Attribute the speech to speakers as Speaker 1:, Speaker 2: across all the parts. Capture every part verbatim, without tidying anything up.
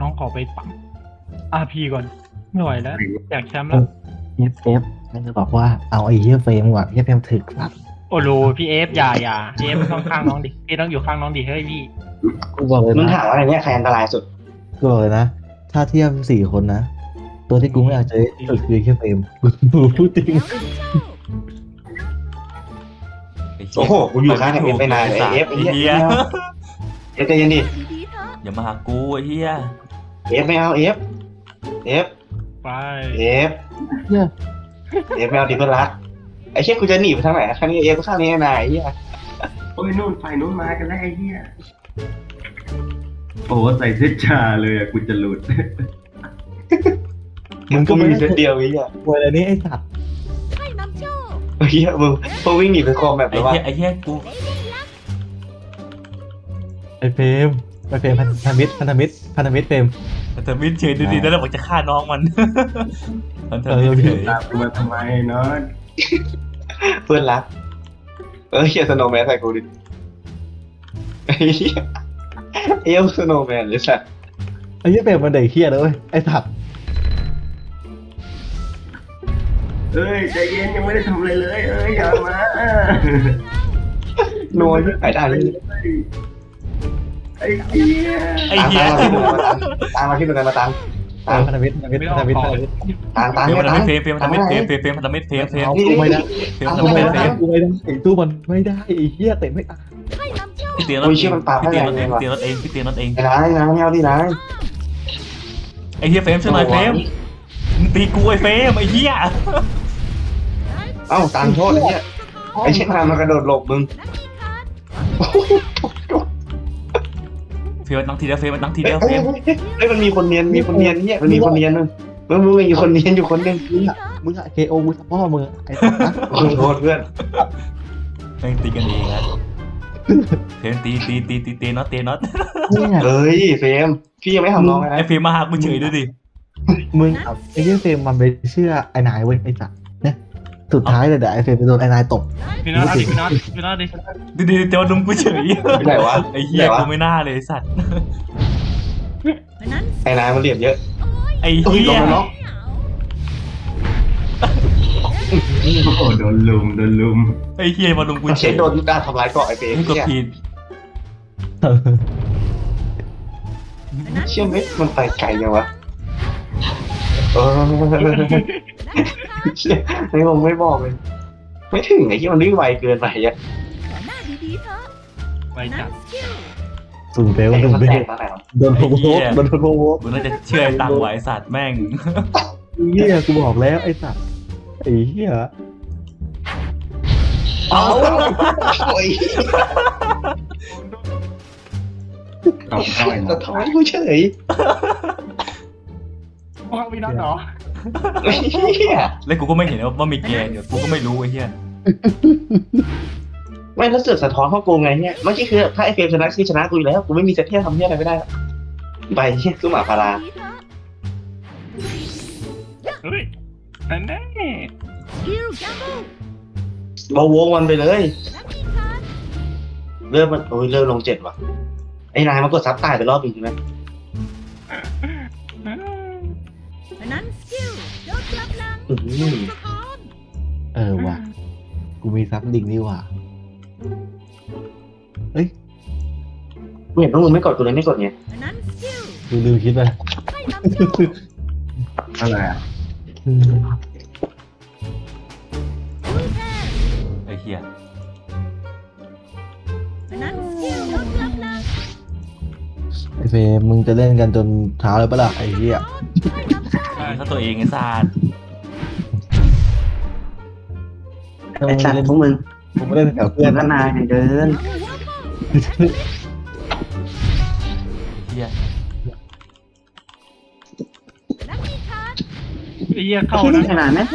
Speaker 1: องขอไปปั๊มอาร์พีก่อนไม่ไหวแล้วอยากแชมป์แล้ว
Speaker 2: เอฟเอฟนั่นจะบอกว่าเอาไอ้เหี้ยเฟรมก่อนเหี้ยเฟรมถึกสัตว์
Speaker 1: โอ้โหพี่เอฟอย่าอย่าพี่เอฟต้องข้างน้องดิพี่ต้องอยู่ข้างน้องดิเฮ้ยพี่
Speaker 2: กูบอกเลย
Speaker 3: มึง
Speaker 2: นะ
Speaker 3: ถามว่าอะไรเนี่ยใครอันตรายสุด
Speaker 2: กูบอกเลยนะถ้าเทียบสี่คนนะตัวที่กูไม่อยากเจอสุดคือแค่เฟรมกูพูดจริง
Speaker 3: โอ้โหกูอยู่ข้างเอฟไปนานเลยเอฟ
Speaker 4: ไอ้
Speaker 3: เอฟ
Speaker 4: เหี้ย
Speaker 3: เอฟใจเย็นดิ
Speaker 4: อย่ามาหากูไอ้เหี้ย
Speaker 3: เอฟไม่เอาเอฟเอฟ
Speaker 1: ไป
Speaker 3: เอฟเอฟไม่เอาดิเพื่อนรักไอ้เชี่ยกูจะหนีไปทางไหนข้างนี้เอฟข้างนี้นายไอ้เหี้ย
Speaker 5: โอ้ยนู่นฝ่ายนู้นมากันแล้วไอ้เหี้ยโอ้ใส่เสื้อชาเลยอะกูจะหลุด
Speaker 2: มึง
Speaker 3: กู
Speaker 2: ก็ไม่
Speaker 3: มี
Speaker 2: ได้
Speaker 3: เส้นเดียวไอ้เหี้ย
Speaker 2: ป่วยอะไรนี้ไอ้สัตว์
Speaker 3: ไอ้เหี้ยมึงพอวิ่งหนีไปคอมแบบ
Speaker 4: ไอ้
Speaker 3: แล้วว่า
Speaker 4: เหี้ยไอ้เหี้ยกู
Speaker 2: ไอ้เฟรมไอ้เฟรมพันธมิตรพันธมิตรพันธมิตรเฟรม
Speaker 4: แต่มิดเฉยดูดีแล้วบอกจะฆ่าน้องมันมันเธอ
Speaker 2: เออ
Speaker 4: มิดเฉย
Speaker 5: ตามกูมาทำไมเนาะ
Speaker 3: เพื่อนรักเออเฮียสโนว์แมนใส่กูดิไอ้เหี้ยเอฟสโนว์แมนเลยสัส
Speaker 2: ไอ้เหี้ยเฟรมมันเด็กเหี้ยเลยเว้ยไอ้สัตว์
Speaker 5: เอ้ยใจเย็นยังไม่ได้ทำอะไรเลยเอ้ยอย่ามา
Speaker 3: โนยไอ้ได้เลย
Speaker 5: ไอ้เหี้ย
Speaker 4: ไอ้เหี้ย
Speaker 3: ตามมาที่ตรงนั้นมาตามตาม
Speaker 2: พันธมิตรพันธมิตร
Speaker 1: ไม่
Speaker 2: พั
Speaker 1: ต้อน ง
Speaker 2: ธมิตร
Speaker 1: ขอ
Speaker 2: พันธมิตร
Speaker 3: ตามตาม
Speaker 4: เฟรม
Speaker 3: ตาม
Speaker 4: มันเฟรมเฟรมมันทำมิดเฟรมเฟรมเฟรมมันทำมิดเฟรมเฟรม
Speaker 2: เอากูไม่ได้
Speaker 4: เฟรม
Speaker 2: เอา
Speaker 4: มัน
Speaker 2: กู
Speaker 4: ทำมิ
Speaker 2: ไม่
Speaker 4: ดเฟร
Speaker 2: ได้
Speaker 4: ม
Speaker 2: กูไม่ได้ไอ้ตู้มันไม่ได้ไอ้เหี้ยเตะไม่ตาย
Speaker 4: พี่เตียนรถเองพี่เตียนรถเองพี่เตียนรถเองพี่เตียนรถเอง
Speaker 3: ไอ้นายนายไม่เอาดินาย
Speaker 4: ไอ้เหี้ยเฟรมช่วยหน่อยเฟรมมึงตีกูไอ้เฟรมไอ้เหี้ย
Speaker 3: เอ้าตามโทษไอ้เหี้ยไอ้เช่นทางมันกระโดดหลบมึง
Speaker 4: เฟรมมันตั้งทีเดียวเฟรมมันตั้งทีเดียว
Speaker 3: เฮ้
Speaker 4: เฟ
Speaker 3: ย
Speaker 4: รม
Speaker 3: เฮ้ยมันมีคนเนียนมีคนเนียนเนี่ยมันมีคนเนียนนึงมึงมึงมีคนเนียนอยู่คนนึง
Speaker 2: มึงอะมึงอะเคโอมึงพ่อมึงอะไอ้สัตว์นะ
Speaker 3: ขอโทษเพื่อน
Speaker 4: แม่งตีกันเองนะเฟรมตีตีตีตีตีน็อตตีน็อต
Speaker 2: เนี่ย
Speaker 3: เฮ้ยเฟรมพี่ยังไม่ทำน้องเลย
Speaker 4: ไอ้
Speaker 3: นะ
Speaker 4: เฟรมมาหากูเฉยดูดิ
Speaker 2: มึงเอาไอ้เหี้ยเฟรมมันไปเชื่อไอ้นายเว้ยไอ้สัตว์เนี่ยสุดท้ายเลยเดี๋ยวไอ้เฟรมไปโดนไอ้นายตบ
Speaker 1: พี่น็อตดิพี่น็อตพี่น็อตดิ
Speaker 4: ดูดิเจ้าดุมกูเฉย
Speaker 3: ไหนวะ
Speaker 4: ไอ้เหี้ยกูไม่น่าเลยไอ้สัตว์
Speaker 3: ไอ้นายมันเหลี่ยมเยอะ
Speaker 4: ไอ้
Speaker 3: อุ้ย
Speaker 4: เหี้
Speaker 3: ล
Speaker 4: ย
Speaker 3: งแล้วเนาะ
Speaker 5: โอ้โหโดนลุมโดนลุม
Speaker 4: ไอ้เหี้ยมาดุมกู
Speaker 3: มัน
Speaker 4: เฉ
Speaker 3: เช็
Speaker 4: ย
Speaker 3: ดโดนด้านทำร้ายเกาะไอ้เฟรม
Speaker 4: กูกด
Speaker 3: เนี่ย
Speaker 4: ผิด
Speaker 3: เชื่อไหมมันไปไกลยังวะเออเชี่ยไม่ผมไม่บอกเลยไม่ถึงไอ้ที่มันวิ่งไวเกินไปอ่ะ
Speaker 1: ไปจัด
Speaker 2: สูงเฟล
Speaker 3: ไอ้
Speaker 2: สูง
Speaker 3: มัน
Speaker 2: เฟ
Speaker 3: แต
Speaker 2: ล
Speaker 3: กตอนไหนวะ
Speaker 2: โดนโพโวโดนโพโว
Speaker 4: กูน่าจะเชื่อไอ้ตังไหวสัตว์แม่ง
Speaker 2: เหี้ยกูบอกแล้วไอ้สัตว์ไอ้เหี้ย
Speaker 3: เอาโอ้ย
Speaker 5: ตอบได้
Speaker 3: แต่ทำไมกูเฉย
Speaker 1: พ่อพี่น็อตเหรอ
Speaker 3: ไอ้เหี้ย
Speaker 4: แล้วกูก็ไม่เห็นว่ามีเกมอยู่กูก็ไม่รู้ไอ้เหี้ย
Speaker 3: ไม่แล้วเสือกสะท้อนเข้าโกงไงเนี่ยเมื่อกี้คือถ้าไอ้เฟรมชนะคือชนะกูอยู่แล้วกูไม่มีเซตเทียทำเทียอะไรไม่ได้ไปเฮียสู้หมาพารา
Speaker 1: เฮ้ยนั่นแน่
Speaker 3: เบาวงมันไปเลยเริ่มมันโอ้ยเริ่มลงเจ็ดว่ะไอ้นายมันกดซับตายไปรอบอีกใช่ไหม อื้อหือ
Speaker 2: เออว่ะกูมีซับดิ่งนี่ว่ะ
Speaker 3: กูเห็นพวกมึงไม่กดกูเลยไม่กดไง
Speaker 2: กูลืมคิดไป
Speaker 5: อะไรอ่ะ
Speaker 4: ไอ้เหี้ย
Speaker 2: ไอ้เฟรมมึงจะเล่นกันจนเช้าเลยปะล่ะไอ้เหี้ย
Speaker 4: มึงเข้าตัวเองไอ้สัตว์
Speaker 2: ถ้า
Speaker 3: ไอ้
Speaker 2: มึง
Speaker 3: สัต
Speaker 2: เล่น
Speaker 3: ว์พวกมึง
Speaker 2: มึงไม่เล่นแถวเพื่อน
Speaker 3: ก็นายเดิน
Speaker 4: เหี้ย
Speaker 1: ไอ้เหี้ยเข้านะ
Speaker 3: ขนาดนั้น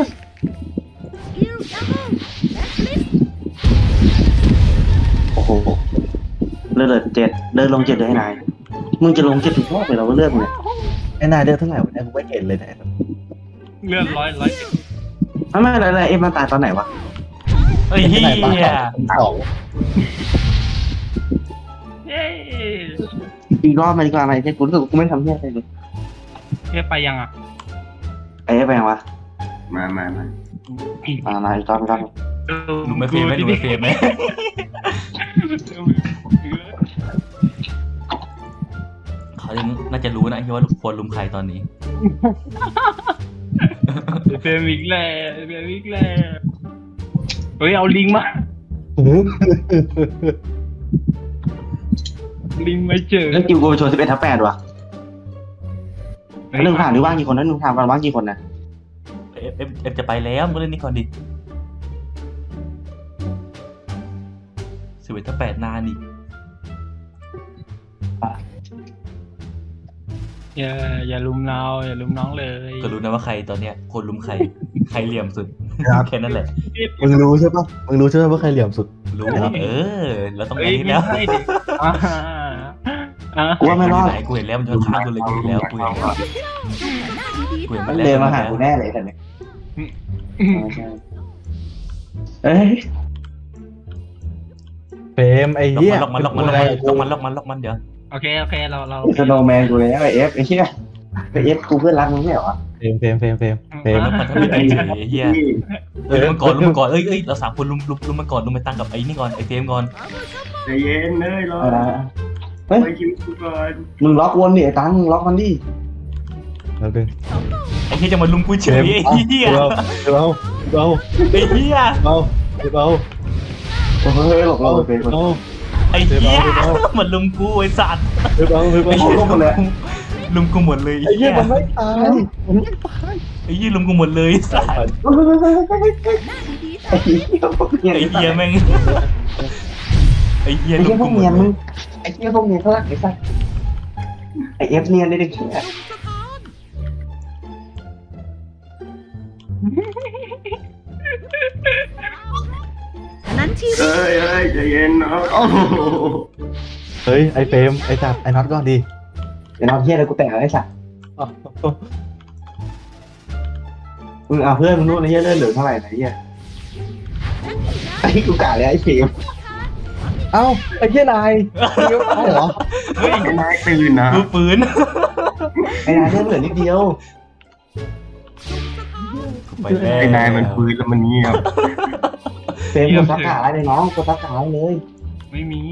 Speaker 3: โอ้โหเลือดเจ็ดเดินลงเจ็ดเลยให้นายมึงจะลงเจ็ดถึงรอบเลยเราก็เลือกมึงเนี่ย
Speaker 2: ไอ้นายเดือดเท่าไหร่วะเนี่ยกูไม่เห็นเลยเนี่ย
Speaker 1: เลื่อนร้อยร้อย
Speaker 3: ไม่ไม่อะไรอะไรเอ็มมาตายตอนไหนวะ
Speaker 4: ไอ้เหี้ย
Speaker 2: สอง
Speaker 1: เย้
Speaker 3: อีกรอบมาดีกว่าไหมเนี่ยกูรู้สึกกูไม่ทำเหี้ยอะไรเลย
Speaker 1: เทียบไปยังอ่ะ
Speaker 3: ไอ้ไปยังวะ
Speaker 5: มามามา
Speaker 3: มามาอีกรอบอีกรอบ
Speaker 4: ลุงไม่เฟรมไหมลุงไม่เฟรมไหมเขาน่าจะรู้นะที่ว่าควรลุมใครตอนนี้
Speaker 1: เฟรมอีกแล้วเฟรมอีกแล้วเฮ้ยเอาลิงมาลิงมาเจอ
Speaker 3: แล้วกิวกูไปชวนสิบเอ็ดทับแปดว่ะหนึ่งผ่านหรือว่างกี่คนนะหนึ่งผ่านกันว่างกี่คนนะ
Speaker 4: เอฟเอฟเอฟจะไปแล้วมึงเล่นนี่ก่อนดิสิบเอ็ดถ้าแปดนานอีก
Speaker 1: อย่าอย่าลุมเราอย่าลุมน้องเลย
Speaker 4: ก็รู้นะว่าใครตอนเนี้ยคนลุมใครใครเหลี่ยมสุดแค่นั้นแหละ
Speaker 2: มึงรู้ใช่ปะมึงรู้ใช่ปะว่าใครเหลี่ยมสุด
Speaker 4: รู้เออเราต้อง
Speaker 1: เฮ้
Speaker 4: ไป
Speaker 1: ย
Speaker 4: ที่
Speaker 1: ไม่
Speaker 4: แล้ว
Speaker 1: ใช่ดิอ่าอ่า
Speaker 3: กูว่าไม่รอด
Speaker 4: ไหนกูเห็นแล้วมันจะฆ่ากูเลยกูเห็นแล้วกูเห็นแล้วกูเห็น
Speaker 3: มั
Speaker 4: มาน แล้ว
Speaker 3: เดินมาหากูแน่เลยแต่เนี่ยเอ้ย
Speaker 2: เฟรมไอ้
Speaker 4: ล็อก
Speaker 2: เหี้ย
Speaker 4: มันล็อกมันล็อกมันล็อกมันล็อกมันล็อกมันเดี๋ยว
Speaker 1: โอเคโอเคเราเรา
Speaker 3: สโนว์แมนกูเลยไอเอฟไอ้เหี้ยไอเอฟกูเพื่อนรักมึงไม่เหรอ
Speaker 2: เฟรมเฟรมเฟรมเฟรมเฟรม
Speaker 4: มันทำไม่ได้เฉยเฮียเฮ้ยลุมมันก่อนลุมมันก่อนเอ้ยเอ้ยเราสามคนลุมลุมลุมมันก่อนลุมไปตั้งกับไอ้นี่ก่อนไอ้เฟรมก่อน
Speaker 5: ใจเย็นเลยรอ
Speaker 3: อะไร
Speaker 5: ไปคิวกูก่อน
Speaker 3: มึงล็อกวนดิไอ้ตังมึงล็อกมันดิ
Speaker 2: แล้วดึง
Speaker 4: ไอ้เฮียจะมาลุมกูเฉยไอ้เฮีย
Speaker 2: เราเราเรา
Speaker 4: ไอ้เฮีย
Speaker 2: เราเรา
Speaker 3: เฮ้ยหลบเราไปไป
Speaker 2: เรา
Speaker 4: ไอ้เฮียมันลุมกูไอ้สัตว์
Speaker 2: เราเรา
Speaker 4: ไอ้เฮียลุมกูลุมกูหมดเลย
Speaker 2: ไอ้เหี้ยมันไม่ตายมันไม่ตาย
Speaker 4: ไอ้เฮียลุมกูหมดเลยไอ้สัตว์
Speaker 3: ไอ้เหี้ย
Speaker 4: ไอ้เฮียแม่งไอ้เฮีย
Speaker 3: ไอ้
Speaker 4: ลุ
Speaker 3: เหี้ย
Speaker 4: ม
Speaker 3: พ
Speaker 4: กู
Speaker 3: วก
Speaker 4: หม
Speaker 3: เนีย
Speaker 4: ด
Speaker 3: น
Speaker 4: เล
Speaker 3: มึง
Speaker 4: ย
Speaker 3: ไอ้เหี้ยพวกเนียนเขารักไอ้สัสไอ้เอฟเนียนได้ดิเหี้ย
Speaker 6: อันนั้นชีวิต
Speaker 5: เอ้ยเอ้ยใจเย็นเนาะโอ้โห
Speaker 2: เฮ้ยไอ้เฟรมไอ้จับไอ้น็อตก่อนดี
Speaker 3: เดี๋ยวน้องเหี้ยแล้วกูแต่งไอ้สัสมึงเอาเพื่อนมึงนู่นไอ้เหี้ยเลื่อนเหลือเท่าไหร่ไหนเหี้ยไอ้กูกะเลยไอ้เฟม
Speaker 2: เอ้าไอ้เหี้ยนายเลี้ยวตายเหรอ
Speaker 4: เฮ้ย
Speaker 5: ไอ้นายตื่นนะ
Speaker 4: กูปืน
Speaker 3: ไอ้นายเลื่อนเหลือนิดเดียว
Speaker 4: ไปแล้ว
Speaker 5: ไอ้นายมันฟื้นแล้วมันเงียบ
Speaker 3: เฟมกดซักขาเลยน้องกดซักขาเลย
Speaker 1: ไม่มี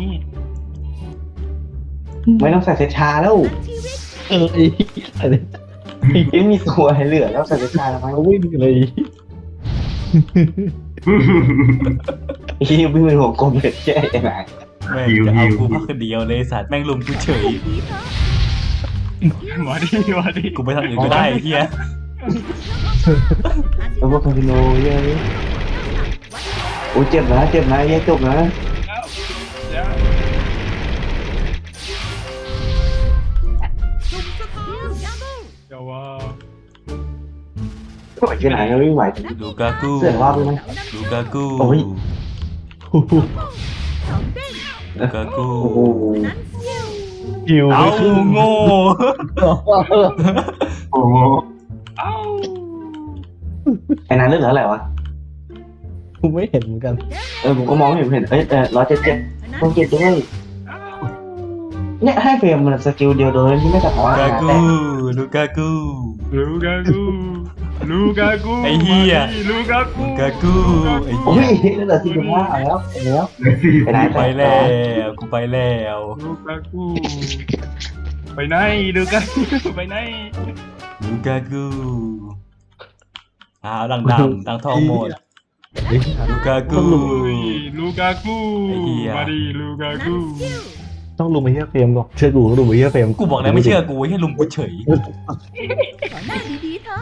Speaker 3: ไม่ต้องใส่เซชาแล้ว
Speaker 2: เออไอ้เหี้ยอะไร
Speaker 3: ยังมีตัวให้เหลือแล้วใส่เซชาทำไม
Speaker 2: เขาวิ่งเลย
Speaker 3: ไอ้เหี้ยวิ่งเป็นหัวกลมเลยแค่ไอ้นาย
Speaker 4: แม่งจะเอากูพักคนเดียวเลยสัตว์แม่งลุมกูเฉย
Speaker 1: หมอดีหมอดี
Speaker 4: กูไปทางอื่นก็ได้ไอ้เฮีย
Speaker 3: แล้วพวกคาสิโนเยอะเลยโอ้เจ็บนะเจ็บนะเหี้ยจบนะ
Speaker 1: เดี๋ยว เดี๋ยวว่า
Speaker 3: ไหวแค่ไหนก็ไม่ไหว
Speaker 4: ลูกากู
Speaker 3: เสือกว่าไปไหม
Speaker 4: ลูกากู
Speaker 3: โอ้ย
Speaker 4: ลูกากู
Speaker 3: โอ้โห
Speaker 2: หิว
Speaker 4: เอาโง่
Speaker 5: โอ้โห
Speaker 1: เอ้า
Speaker 3: ไอ้นายเลือดเหลืออะไรวะ
Speaker 2: กูไม่เห็นเหมือนกัน
Speaker 3: เออผมก็มองไม่เห็นเห็นเอ้ยเออร้อยเจ็ดเจ็ด
Speaker 6: อันนั้น
Speaker 3: ต้องเจ็ดด้วย
Speaker 1: เอ้า
Speaker 3: เนี่ยให้เฟรมมันสกิลเดียวโดยที่ไม่สะท้อน
Speaker 4: ลูกา
Speaker 3: นะ
Speaker 4: กู
Speaker 3: แต่
Speaker 4: ลูกากู
Speaker 1: ลูกากูลูกากู
Speaker 4: ไอ้เหี้ย
Speaker 1: ลูกากู
Speaker 4: ลูกากูไอ้
Speaker 3: โอ้
Speaker 4: เหี้
Speaker 3: ย
Speaker 4: ย
Speaker 3: เหลือสี่สิบห้าเอาแล้วเอาแล้ว
Speaker 5: เลยสิ
Speaker 3: ไปไหน
Speaker 4: กูไปแล้วกูไปแล้ว
Speaker 1: ลูกากูไปไหนลูกากูไปไหน
Speaker 4: ลูกากูอ้าวดังดำดังทองหมด
Speaker 2: เฮ้ย
Speaker 4: ลูกากู
Speaker 1: อุ้ยลูกากู
Speaker 4: ไอ้เหี้ย
Speaker 1: มาดิลูกากู
Speaker 2: ต้องลุมไอ้เหี้ยเฟรมก่อนเชื่อกูต้องลุมไอ้เหี้ยเฟรม
Speaker 4: กูบอกแล้วไม่เชื่อกูให้ลุมกูเฉย
Speaker 6: สอนหน้าดีๆเถอะ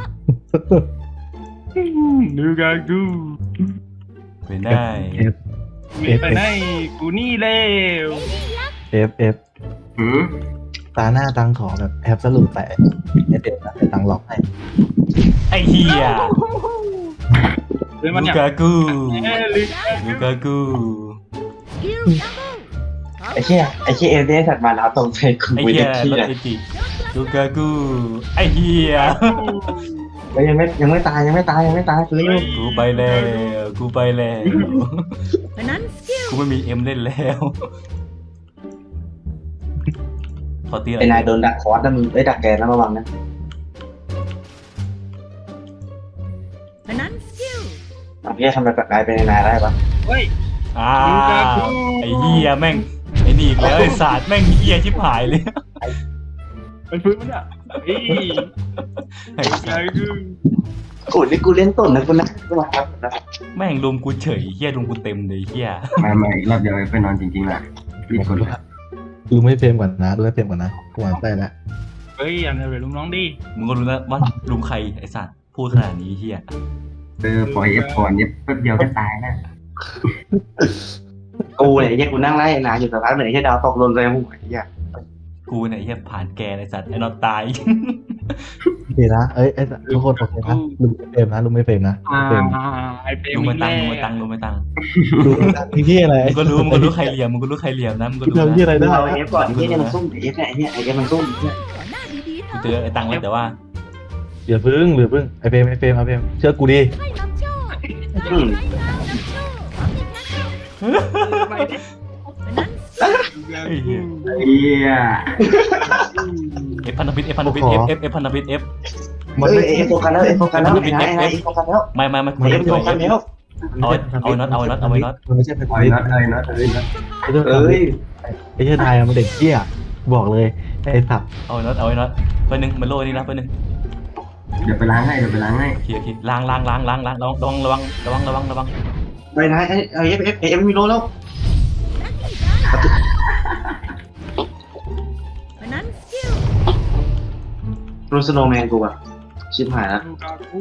Speaker 1: ลูกากู
Speaker 4: ไปได้
Speaker 1: มีไปไหนกูนี่เร็ว
Speaker 2: เอฟเอฟ
Speaker 5: หืม
Speaker 2: ตาหน้าตังขอแบบแอปสรุปแต่ไอเด็ดนะไอตังหลอกให้
Speaker 4: ไอ้เหี้ย
Speaker 1: เฮ้ยมัน
Speaker 4: ลู
Speaker 1: อยาก
Speaker 4: กากู
Speaker 1: เอ้ยลูกา
Speaker 4: ลูกากู
Speaker 6: สกิลดับเบิล
Speaker 3: ไอ้เชี่ยไอ้เชี่ยเอฟได้สัตว์มาแล้วตรงใจกู
Speaker 4: ไอ้
Speaker 3: ไป
Speaker 4: เหี้ย
Speaker 3: เด็กที่
Speaker 4: รถ
Speaker 3: เลย
Speaker 4: ไอจิลูกากูไอ้เหี้ย
Speaker 3: แล้วยังไม่ยังไม่ตายยังไม่ตายยังไม่ตายเร็ว
Speaker 4: กูไปแล้วกูไปแล้ว
Speaker 6: อันนั้นสกิล
Speaker 4: กูไม่มีเอ็มเล่นแล้วขอตีหน่อ
Speaker 3: ไอ้
Speaker 4: ย
Speaker 3: นายโดนดักคอร์สนะมึงเอ้ยดักแกนนะระวังนะ
Speaker 6: อันนั้นสกิล
Speaker 3: อ่ะพี่จะทำอะไรกับนายเป็นนายได้ปะ
Speaker 1: เฮ้ย
Speaker 4: อ่าไอ้เหี้ยแม่งไอ้นี่อีกแล้วไอ้ศาสตร์แม่งเหี้ยชิบหายเลย
Speaker 1: เป็นฟื้นมันอ่ะเฮ้ย
Speaker 4: ไอ้สัส
Speaker 3: โอ้ยนี่กูเล่นต้นนะกูนะกูมาครับนะ
Speaker 4: แม่งลุมกูเฉยเหี้ยลุมกูเต็มเลยเหี้ย
Speaker 5: มาใหม่รอบเดียวไปนอนจริงๆแหละรีบกดเลย
Speaker 2: ดูไม่เฟรมก่อนนะดูไม่เฟรมก่อนนะกูอ่านได้แล้ว
Speaker 1: เฮ้ยอย่าเลยลุงน้องดิ
Speaker 4: มึงก็รู้แล้วว่าลุมใครไอ้สัตว์พูดขนาดนี้เหี้ย
Speaker 5: เออปล่อยเอฟก่อนเนี่ยแป๊บเดียวก็ตายแล้ว
Speaker 3: กูเนี่ยไอ้เหี้ยกูนั่งไล่ไอ้นายอยู่สักพักหนึ่งไอ้เหี้ยดาวตกหล่นเลยหัวไอ้เหี้ย
Speaker 4: กูเนี่ยเหี้ยผ่านแกไอ้สัตว์ไอ้นอนตาย
Speaker 2: โอเคนะเอ้ยเอ้ยทุกคนโอเคนะดูไม่เฟรมนะดูไม่เฟรมนะ
Speaker 1: อ่า
Speaker 2: เฟรม
Speaker 1: ไอเปรม
Speaker 4: ลุง
Speaker 1: มี
Speaker 4: มา
Speaker 1: แร
Speaker 4: ตัง
Speaker 1: ง
Speaker 4: ลุงมาตังลุงมาตัง
Speaker 2: ดูที่ที่อะไร
Speaker 4: มึงก็รู้มึงก็รู้ใครเหลี่ยมมึงก็รู้ใครเหลี่ยมนะมึงก็รู้
Speaker 2: ทำที่
Speaker 4: นะ
Speaker 2: อะไรได้
Speaker 3: เอาไอ้เอฟก่อนไอ้เหี้ยเนี่ยมันซุ่มไอ้เอฟเนี่ยไอ้เนี่ยไอ้เอฟมันซุ่ม
Speaker 6: ขอหน้าดีๆเถ
Speaker 4: กู
Speaker 6: อะ
Speaker 4: เจอไอ้ตังแล้วแต่ว่า
Speaker 2: อย่าพึ่งหรือพึ่งไอเฟรมไอเฟรมไอเฟรมเชื่อกูดิ
Speaker 6: ให้นำโชค
Speaker 3: อืม
Speaker 6: อันนั้น
Speaker 4: ไอ้เหี้ย
Speaker 5: เฮีย
Speaker 4: เอฟพันธมิตรเอฟพันธมิตรเอฟเอฟเอฟพันธมิตรเอฟ
Speaker 2: มัน
Speaker 3: เอ้
Speaker 2: ไม่
Speaker 3: ยไอ้เอฟโฟกัสแล้วไอ้โฟกัสแล้วไอ้นายไอ้นายไอ้โฟกัสแล้ว
Speaker 4: ไม่ไม่ไม่
Speaker 3: ไอ้เอฟโฟกัสแล้ว
Speaker 4: เอาเอาน็อตเอาน็อตเอาน็อต
Speaker 2: มันไม่ใช่เป็น
Speaker 5: ปล่อยน็อตเลยน็อตเลยน็อต
Speaker 3: เอ้ย
Speaker 2: ไอ้เจ้านายมันเด็กเกี้ยบอกเลยไอ้สับ
Speaker 4: เอาน็อตเอาน็อตเพื่อนหนึ่งมันโล่นี่นะเพื่อนหนึ่ง
Speaker 5: เดี๋ยวไปล้างให้เดี๋ยวไปล้างให้
Speaker 4: โอเคโอเคล้างล้างล้างล้างล้างระวังระวังระวังระวังระวัง
Speaker 3: ไอ้นายไอ้ไอ้เอฟเอฟไอ้เอฟมีโลแล้ว
Speaker 6: อันนั้นสกิล
Speaker 3: โรสโนแมนกูอะชิบหายแล้ว
Speaker 1: ลูกากู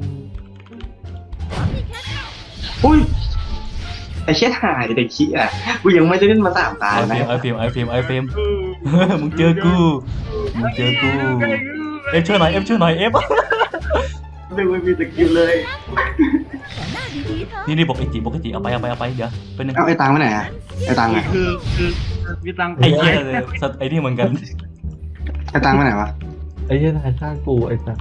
Speaker 3: อุ้ยไอ้เชี่ยหายเด็กขี้อ่ะกูยังไม่ได้เล่นมาสามตา
Speaker 4: ไอ
Speaker 3: นะ
Speaker 4: เฟมไอเฟมไอเฟมไอเฟมมึงเจอกูมึงเจอกูเอฟช่วยหน่อยเอฟช่วยหน่อยเอฟ
Speaker 5: ไม่ไม่มีสกิลเลย
Speaker 6: ขอหน้าดีๆเถอะ
Speaker 4: นี่นี่บอกไอจีบอกไอจีเอาไปเอาไปเอาไปเดี๋ยวเพื่อนหนึ่ง
Speaker 3: เอาไอ้ตังไปไหนอะไอ้ตังไง
Speaker 1: คือคือพี่ตัง
Speaker 4: ไอ้เหี้ยไอ้นี่เหมือนกัน
Speaker 3: ไอ้ตังไปไหนวะ
Speaker 2: ไอ้เจ้านายฆ่ากูไอ้สับ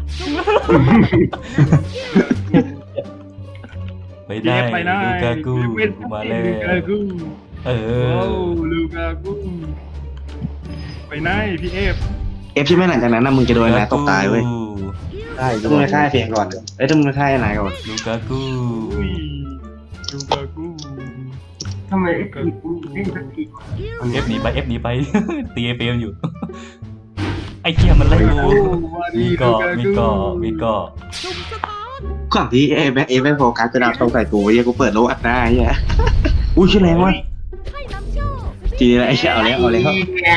Speaker 4: ไปได้
Speaker 1: ไปได้
Speaker 4: ลูกากูมาแล้ว
Speaker 1: ลูกากู
Speaker 4: เอ
Speaker 1: โอ้
Speaker 4: อ
Speaker 1: ลูกากูไปไหนพี่เอฟ
Speaker 3: เอฟใช่ไหมหลังจากนั้นนะมึงจะโดนไอ้นายตกตายเว้ย
Speaker 2: ได้
Speaker 3: ถ้ามึงไปฆ่าไอ้เพียงก่อนเอ้ยถ้ามึงไปฆ่าไอ้นายก่อน
Speaker 4: ลูกากู
Speaker 1: อุ้ยลูกากู
Speaker 5: ทำไมไอ้กูเล่นสักที
Speaker 4: เอฟหนีไปเอฟหนีไป ตีไอเฟมอยู่ไอ้เหี้ยมันไล่กูมีเกาะมีเกาะมีเกาะ
Speaker 6: สุ่มสะท้อน
Speaker 3: ก่อนที่เอฟเอฟไม่โฟกัสจะดาวตรงใส่กูเฮียกูเปิดโลอัดหน้าเฮียอุ้ยชื่ออะไรวะ
Speaker 6: ให้นำโชค
Speaker 3: ทีนี้ไอ้เชี่ยเอาแล้วเอาแล้ว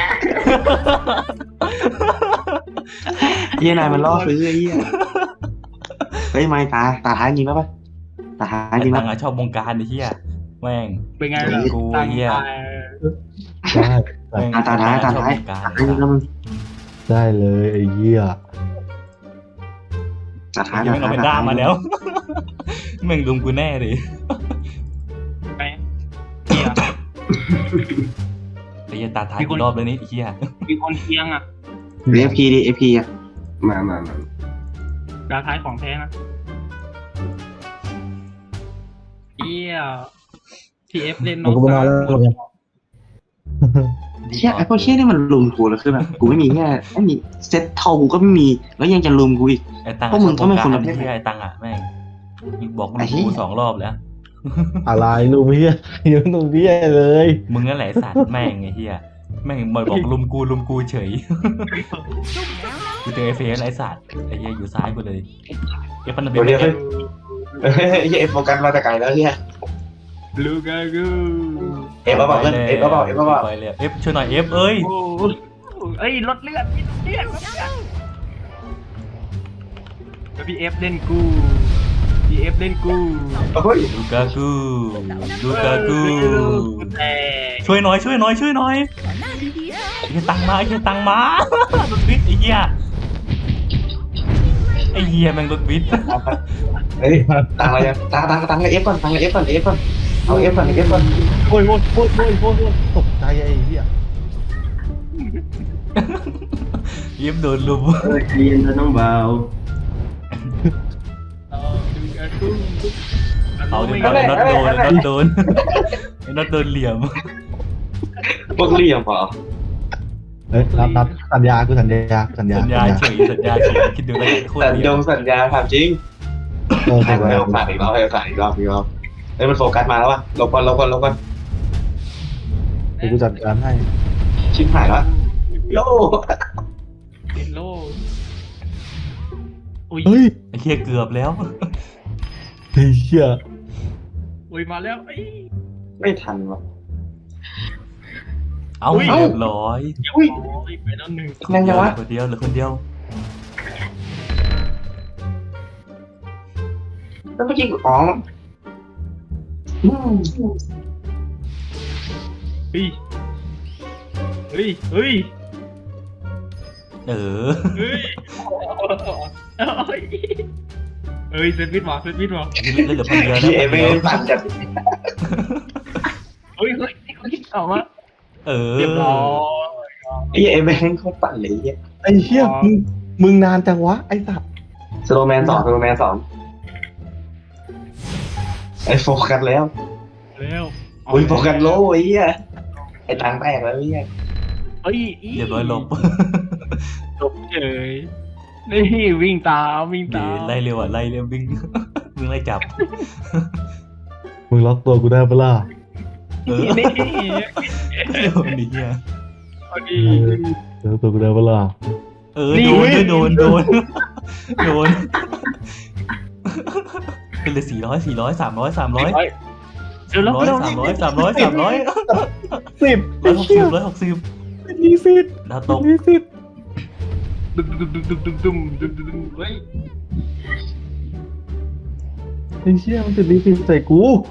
Speaker 3: เฮียนายมันล่อซื้อไอ้เฮียเฮ้ยไม่ตาตาท้ายจริงแล้วปะตาท้าย
Speaker 4: ไอ้
Speaker 3: จริง
Speaker 4: ตั
Speaker 3: แล้
Speaker 4: ง
Speaker 3: ว
Speaker 4: อะชอบวงการไอ้เหี้ยแม่ง
Speaker 1: เป็นไงล่ะ
Speaker 4: กู
Speaker 1: ตัง
Speaker 4: เหี้ย
Speaker 1: ตาย
Speaker 2: ได้
Speaker 4: แม่ง
Speaker 3: ตาตาท้ายตา
Speaker 4: ชอบ
Speaker 3: ท้ายว
Speaker 4: งการ
Speaker 3: ตาท้ายจริงแล้วมึง
Speaker 2: ได้เลยไอ้เหี้ย
Speaker 3: ตาท้าย
Speaker 4: ยัง
Speaker 3: ตา
Speaker 4: ไม่เอา
Speaker 3: ท้าย
Speaker 4: ไปด้ามาแล้ว แม่งลุมกูแน่เลย
Speaker 1: ไปเฮีย
Speaker 4: ไอ้เหี้ยตาท้ายกี่รอบแล้วนี่ไอ้เหี้ย
Speaker 1: มีคนเคียงอ่ะ
Speaker 3: เอฟพีดิเอฟพีอะ
Speaker 5: มามามา
Speaker 1: ดาวท้ายของแท้นะเฮียพี่เอฟเล่น
Speaker 2: มันก็ไม่นอนแล้วเนี่ย
Speaker 3: เชี่ยไอ้พวกเชี่ยนี่มันลุมกูแล้วคือแบบกูไม่มีแค่ไม่มีเซ็ตเท่ากูก็ไม่มีแล้วยังจะลุมกูอีก
Speaker 4: ไอ้ตัง
Speaker 3: พวกมึงก็ไม่คนละ
Speaker 4: ไอ้
Speaker 3: เพศ
Speaker 4: เหี้ยไอ้ตังอะแม่งบอกลุ
Speaker 3: ไอ้
Speaker 4: ม
Speaker 3: เหี้ย
Speaker 4: กูสองรอบแล้ว
Speaker 2: อะไรลุงเหี้ยยังลุงเหี้ยเลย
Speaker 4: มึงนั่นแหละไอ้สัตว์แม่งไอ้เหี้ยแม่งมาบอกลุมกูลุมกูเฉย กูเจอไอ้เฟสไอ้สัตว์ไอ้เหี้ยอยู่ซ้ายกูเลยเอฟพันธมิตร
Speaker 3: เดี๋ยว
Speaker 4: เอฟ
Speaker 3: เฮ้ยเอฟโฟกัสมาแต่ไกลแล้วเนี่ย
Speaker 1: ลูกากู
Speaker 3: เอฟมาบอกเพื่อนเอฟมาบอกเอฟมาบอก
Speaker 4: ไปเลยเอฟช่วยหน่อยเอฟเอ้ย
Speaker 1: โอ้เอ้ยลดเลือดลดเลือดลดเลือดแล้วพี่เอฟเล่นกูพี่เอฟเล่นกู
Speaker 3: เฮ้ย
Speaker 4: ลูกากูลูกากู
Speaker 1: แต่
Speaker 4: ช่วยหน่อยช่วยหน่อยช่วยหน่อย
Speaker 6: ขอหน้าดีๆเถอะ
Speaker 4: ไอ้เหี้ยตังมาไอ้เหี้ยตังมาโดนวิทย์ไอ้เหี้ยไอ้เหี้ยแม่งโดนวิทย์
Speaker 3: เฮ้ยตังอะไรยังตังตังตังเอฟก่อนตังเอฟก่อนเอฟก่อนเอาเอฟก่อนเอฟก่อน
Speaker 2: โอ้ยโอ้ยโอ้ยโอ้ยโอ้ยโอ้ยตกใจไอ้เหี้ย
Speaker 4: เอฟโดนลุม
Speaker 5: เออใจเย็นเธอน้องเบา
Speaker 1: ลูกากู
Speaker 4: เอาดิเอาไอ้น็อตโดนไอ้น็อตโดนไอ้น็อตโดนเหลี่ยม
Speaker 3: พวกเลี่ยมเปล่า
Speaker 2: เอ้ยนับนับสัญญากูสัญญากูสัญญา
Speaker 4: สัญญาเฉยสัญญาเฉยคิดดูแล้วกันโคตร
Speaker 3: สัญ
Speaker 4: เดี
Speaker 3: ญ
Speaker 4: ยว
Speaker 3: งสัญญาถามจริง
Speaker 2: เออ
Speaker 3: ให้
Speaker 2: สัญ
Speaker 3: ให้
Speaker 2: ญา
Speaker 3: โอกาสอีกรอบให้โอกาสอีกรอบอีกรอบเฮ้ยมันโฟกัสมาแล้ววะลบก่อนลบก่อนลบก่อน
Speaker 2: เดี๋ยวกูจัดการให้
Speaker 3: ชิบหายแล้วโย่
Speaker 1: ติดโลอุ้ย
Speaker 2: เฮ้ย
Speaker 4: ไอ้เหี้ยเกือบแล้ว
Speaker 2: เฮ้ยเชี่ย
Speaker 1: อุ้ยมาแล้วเอ้ย
Speaker 3: ไม่ทันวะ
Speaker 4: เอา
Speaker 1: อุ้ย
Speaker 4: เรียบร้อย
Speaker 3: อุ้ย
Speaker 1: โอ้ยไปแล้วหนึ่ง
Speaker 3: แม่งยังวะ
Speaker 4: เหลือคนเดียวเหลือคนเดียว
Speaker 3: แล้วเมื่อกี้กูอ๋ออืม
Speaker 1: เฮ้ยเฮ้ยเฮ้ย
Speaker 4: เออ
Speaker 1: เฮ้ยเฮ้ยเฮ้ยเซตวิทมาเซตวิทมา
Speaker 4: เล่นเหลือคนเดียว
Speaker 3: พี่เอ
Speaker 4: แล้ว
Speaker 3: ไม่ได้ปั่นจัด
Speaker 1: เฮ้ยเฮ้ยเฮ้ยเอามา
Speaker 4: เออ
Speaker 1: เรียบร้อย
Speaker 3: พี่เอไม่ให้เขาปั่นเลยไอ้เหี้ย
Speaker 2: ไอ้เชี่ยมึงมึงนานจังวะไอ้สัตว์
Speaker 3: สโลแมนสองสโลแมนสองไอ้โฟกัสแล้ว
Speaker 1: แล้ว
Speaker 3: อุ้ยโฟกัสโลไอ้เหี้ยไอ้ตังแตกแล้วไอ้เหี้ย
Speaker 1: เฮ้ย
Speaker 4: เรียบร้อยลบ
Speaker 1: จบเฉยนี่วิ่งตามวิ่ง
Speaker 4: เดี๋ย
Speaker 1: ตาว ม
Speaker 4: ไล่เร็วอ่ะไล่เร็ววิ่ง วิ่งไล่จับ
Speaker 2: มึงล็อกตัวกูได้ปะล่ะ
Speaker 4: เออ
Speaker 1: นี่
Speaker 4: เร็วนี่เหี้ย
Speaker 1: พอดี
Speaker 2: เออล็อกตัวกูได้ปะล่ะ
Speaker 4: เออ
Speaker 1: นี่
Speaker 4: โดน
Speaker 1: เว้ย
Speaker 4: โดนโดนโดนเป็นเลยสี่ร้อยสี่ร้อยสามร้อยสามร้อย
Speaker 1: เดี๋ยวแล้ว
Speaker 4: ร้อย
Speaker 1: เร็ว
Speaker 4: สามร้อยสามร้อยสามร้อย
Speaker 2: สิบ
Speaker 4: ร้อยหกสิบร้อยหกสิบ
Speaker 2: ยี่สิบ
Speaker 4: ดาวตก
Speaker 2: ยี่สิบ
Speaker 1: ดุมดุมดุมดุมดุมดุมดุมดุมดุมเฮ้ย
Speaker 2: ไอ้เชี่ยมันติดลิฟิตใส่กู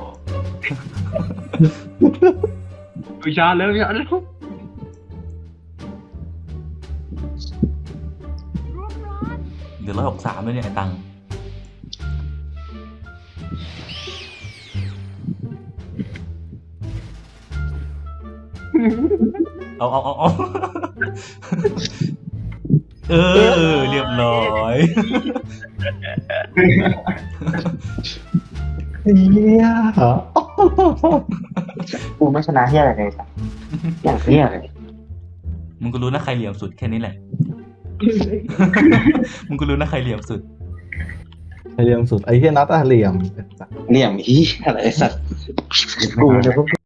Speaker 1: ดูชาแล้วชาแล้ว
Speaker 6: ร่วมร้อน
Speaker 4: เดี๋ยวร้อยหกสามเลยเนี่ยไอ้ตังค์เอาเอาเอาเอาเออเรียบร้อย
Speaker 2: ไอ้เหี้ย
Speaker 3: กูไม่ชนะเหี้ยอะไรเลยสัสอย่างเหี้ยเลย
Speaker 4: มึงก็รู้นะใครเหลี่ยมสุดแค่นี้แหละ มึงก็รู้นะใครเหลี่ยมสุด
Speaker 2: ไอ้เหลี่ยมสุดไอ้เหี้ยนัดอะเหลี่ยม
Speaker 3: เหลี่ยมเหี้ยอะไรสัสกูเนี่ยพวก